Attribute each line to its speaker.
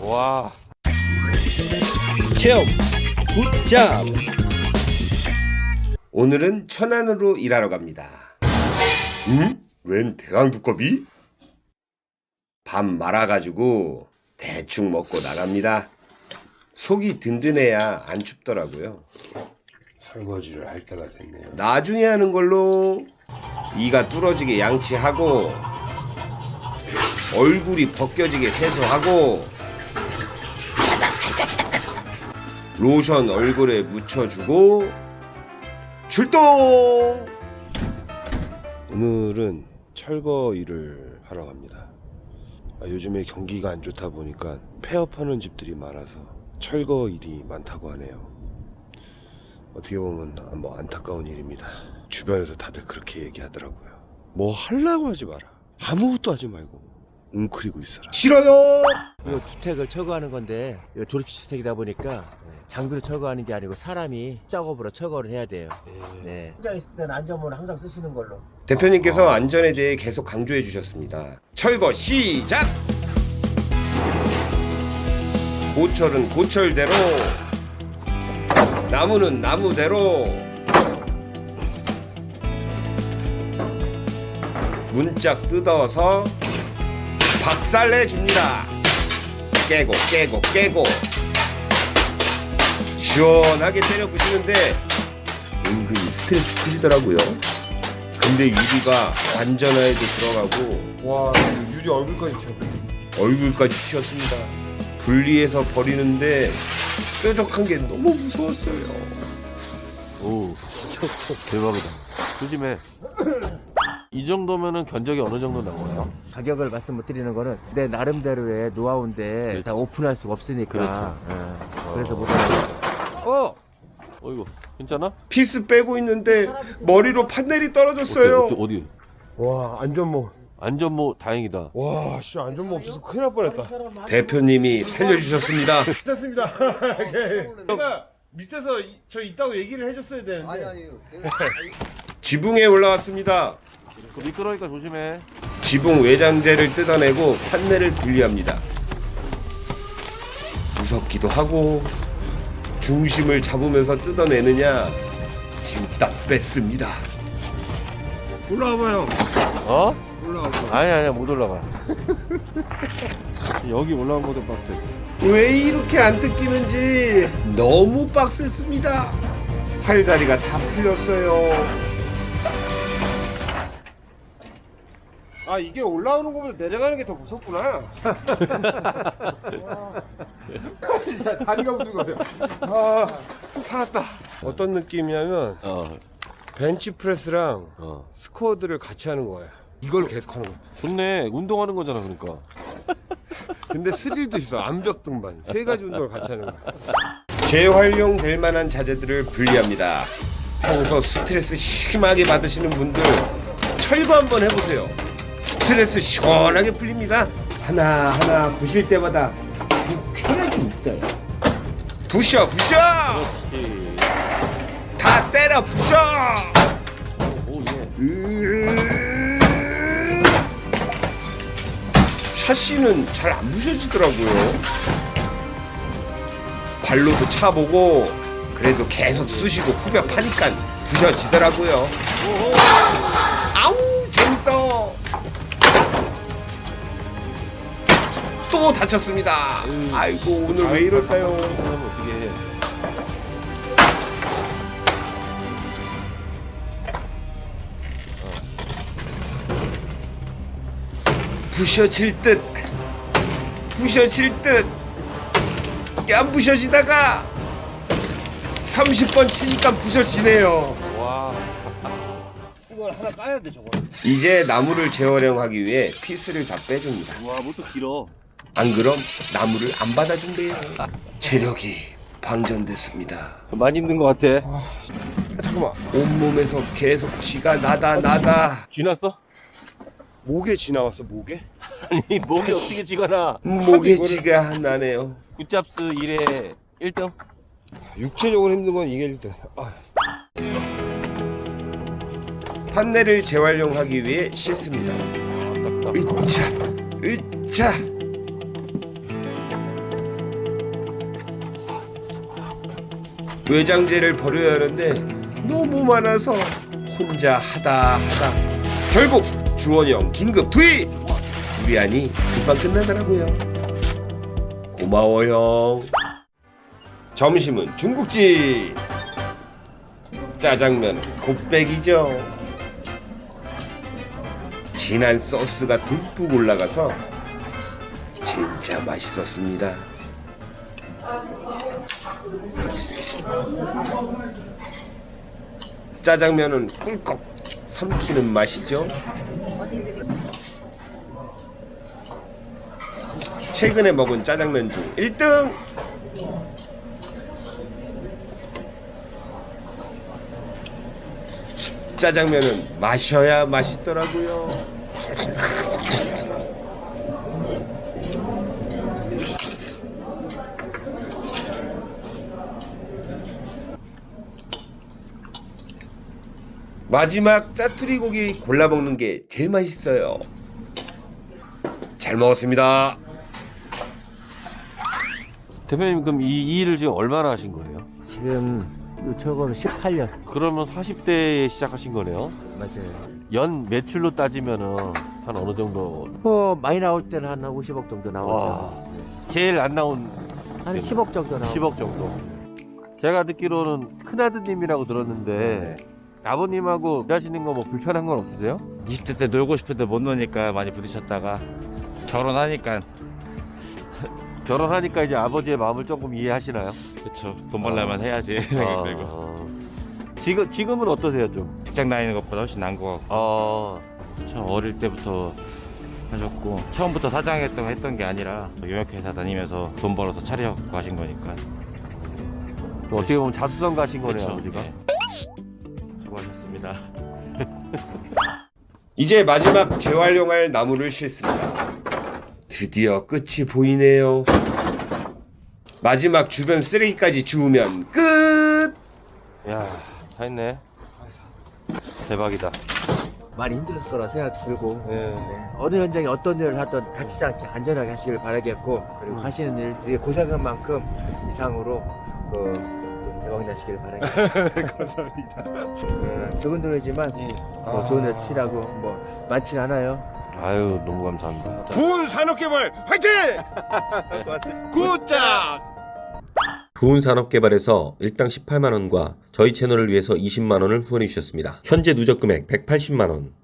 Speaker 1: 와.
Speaker 2: 체험 굿잡.
Speaker 3: 오늘은 천안으로 일하러 갑니다. 웬 대강 두꺼비? 밥 말아가지고 대충 먹고 나갑니다. 속이 든든해야 안 춥더라고요.
Speaker 4: 설거지를 할 때가 됐네요.
Speaker 3: 나중에 하는 걸로. 이가 뚫어지게 양치하고 얼굴이 벗겨지게 세수하고 로션 얼굴에 묻혀주고 출동!
Speaker 4: 오늘은 철거 일을 하러 갑니다. 요즘에 경기가 안 좋다 보니까 폐업하는 집들이 많아서 철거 일이 많다고 하네요. 어떻게 보면 뭐 안타까운 일입니다. 주변에서 다들 그렇게 얘기하더라고요. 뭐 하려고 하지 마라. 아무것도 하지 말고 웅크리고 있어라.
Speaker 3: 싫어요!
Speaker 5: 이 주택을 철거하는 건데 조립주택이다 보니까 장비로 철거하는 게 아니고 사람이 작업으로 철거를 해야 돼요. 네. 현장 있을 때는 안전모는 항상 쓰시는 걸로.
Speaker 3: 대표님께서 안전에 대해 계속 강조해 주셨습니다. 철거 시작! 고철은 고철대로, 나무는 나무대로. 문짝 뜯어서 박살내 줍니다. 깨고 깨고 깨고 시원하게 때려 부시는데 은근히 스트레스 풀리더라고요. 근데 유리가 완전하게도 들어가고
Speaker 4: 와, 유리 얼굴까지 튀어.
Speaker 3: 얼굴까지 튀었습니다. 분리해서 버리는데 뾰족한 게 너무 무서웠어요.
Speaker 1: 오. 대박이다. 조심해. 이 정도면은 견적이 어느 정도 나와요?
Speaker 5: 가격을 말씀 못 드리는 거는 내 나름대로의 노하우인데 다 오픈할 수가 없으니까.
Speaker 1: 그렇죠.
Speaker 5: 그래서 못 하는
Speaker 1: 어이구, 괜찮아?
Speaker 3: 피스 빼고 있는데 머리로 판넬이 떨어졌어요.
Speaker 1: 어디?
Speaker 4: 와, 안전모.
Speaker 1: 안전모 다행이다.
Speaker 4: 와, 씨, 안전모 없어서 큰일 날 뻔했다.
Speaker 3: 대표님이 살려주셨습니다.
Speaker 4: 됐습니다. 제가 밑에서 저 있다고 얘기를 해줬어야 되는데.
Speaker 3: 지붕에 올라왔습니다.
Speaker 1: 그 미끄러니까 조심해.
Speaker 3: 지붕 외장재를 뜯어내고 판넬을 분리합니다. 무섭기도 하고 중심을 잡으면서 뜯어내느냐 지금 딱 뺐습니다.
Speaker 4: 올라와봐요.
Speaker 1: 어?
Speaker 4: 올라와봐.
Speaker 1: 아니야, 못 올라가. 여기 올라온 것도 빡세.
Speaker 3: 왜 이렇게 안 뜯기는지 너무 빡셌습니다. 팔다리가 다 풀렸어요.
Speaker 4: 아, 이게 올라오는 것보다 내려가는 게 더 무섭구나. 진짜 다리가 무슨 거예요. 아, 살았다. 어떤 느낌이냐면 벤치프레스랑 스쿼드를 같이 하는 거야. 이걸 계속 하는 거야.
Speaker 1: 좋네. 운동하는 거잖아, 그러니까.
Speaker 4: 근데 스릴도 있어. 암벽 등반. 세 가지 운동을 같이 하는 거야.
Speaker 3: 재활용될 만한 자재들을 분리합니다. 평소 스트레스 심하게 받으시는 분들 철거 한번 해보세요. 스트레스 시원하게 풀립니다. 하나하나 부실 때마다 그 쾌락이 있어요. 부셔 부셔!
Speaker 1: 그렇지.
Speaker 3: 다 때려 부셔!
Speaker 1: 오, 예.
Speaker 3: 샤시는 잘 안 부셔지더라고요. 발로도 차보고 그래도 계속 쑤시고 후벼 파니까 부셔지더라고요. 아우 재밌어. 또 다쳤습니다. 아이고 오늘 왜 이럴까요?
Speaker 1: 그러면 어떻게 해?
Speaker 3: 부셔질 듯 부셔질 듯 안 부셔지다가 30번 치니까 부셔지네요.
Speaker 1: 와.
Speaker 4: 이걸 하나 까야 돼, 저거.
Speaker 3: 이제 나무를 재활용하기 위해 피스를 다 빼줍니다.
Speaker 1: 와, 뭐또 길어.
Speaker 3: 안 그럼 나무를 안 받아준대요. 체력이 방전됐습니다.
Speaker 1: 많이 힘든 것 같아.
Speaker 4: 잠깐만.
Speaker 3: 온몸에서 계속 쥐가 나다.
Speaker 1: 쥐났어?
Speaker 4: 목에 쥐 나왔어, 목에?
Speaker 1: 아니, 목이 어떻게 쥐거나.
Speaker 3: 목에 쥐가 나네요.
Speaker 1: 굿잡스 1회 1등?
Speaker 4: 육체적으로 힘든 건 이게 일단.
Speaker 3: 판넬을 재활용하기 위해 씻습니다. 으차 으차 외장재를 버려야 하는데 너무 많아서 혼자 하다 결국 주원이 형 긴급 투입! 두리안이 금방 끝나더라고요. 고마워 형. 점심은 중국집. 짜장면은 곱빼기죠. 진한 소스가 듬뿍 올라가서 진짜 맛있었습니다. 짜장면은 꿀꺽 삼키는 맛이죠. 최근에 먹은 짜장면 중 1등! 짜장면은 마셔야 맛있더라고요. 마지막 짜투리 고기 골라 먹는 게 제일 맛있어요. 잘 먹었습니다.
Speaker 1: 대표님 그럼 이 일을 지금 얼마나 하신 거예요?
Speaker 5: 지금 저거는 18년.
Speaker 1: 그러면 40대에 시작하신 거네요?
Speaker 5: 맞아요.
Speaker 1: 연 매출로 따지면은 한 어느 정도?
Speaker 5: 많이 나올 때는 한 50억 정도 나오죠.
Speaker 1: 와. 제일 안 나온
Speaker 5: 한 10억 정도 나오죠.
Speaker 1: 10억 정도. 제가 듣기로는 큰아드님이라고 들었는데 아버님하고 일하시는 거 뭐 불편한 건 없으세요?
Speaker 6: 20대 때 놀고 싶은데 못 노니까 많이 부딪혔다가 결혼하니까
Speaker 1: 결혼하니까 이제 아버지의 마음을 조금 이해하시나요?
Speaker 6: 그쵸 돈 벌려면 해야지 그리고
Speaker 1: 지금은 어떠세요 좀?
Speaker 6: 직장 다니는 것보다 훨씬 나은 것 같고 참 어릴 때부터 하셨고 처음부터 사장했던 게 아니라 용역회사 다니면서 돈 벌어서 차려갖고 하신 거니까
Speaker 1: 어떻게 보면 자수성 가신 거네요
Speaker 6: 그쵸,
Speaker 1: 아버지가.
Speaker 6: 예. 수고하셨습니다.
Speaker 3: 이제 마지막 재활용할 나무를 싣습니다. 드디어 끝이 보이네요. 마지막 주변 쓰레기까지 주우면 끝!
Speaker 1: 야, 다 했네. 대박이다.
Speaker 5: 많이 힘들었을 거라 생각 들고
Speaker 1: 네.
Speaker 5: 어느 현장에 어떤 일을 하든 다치지 않게 안전하게 하시길 바라겠고 그리고 하시는 일 고생한 만큼 이상으로 또 대박 나시길 바라겠습니다. 감사합니다. 적은 돈이지만 좋은 일 치라고 뭐 많진 않아요.
Speaker 1: 아유, 너무 감사합니다.
Speaker 3: 부은 산업개발 화이팅! 굿잡! 부은 산업개발에서 일당 18만원과 저희 채널을 위해서 20만원을 후원해 주셨습니다. 현재 누적 금액 180만원.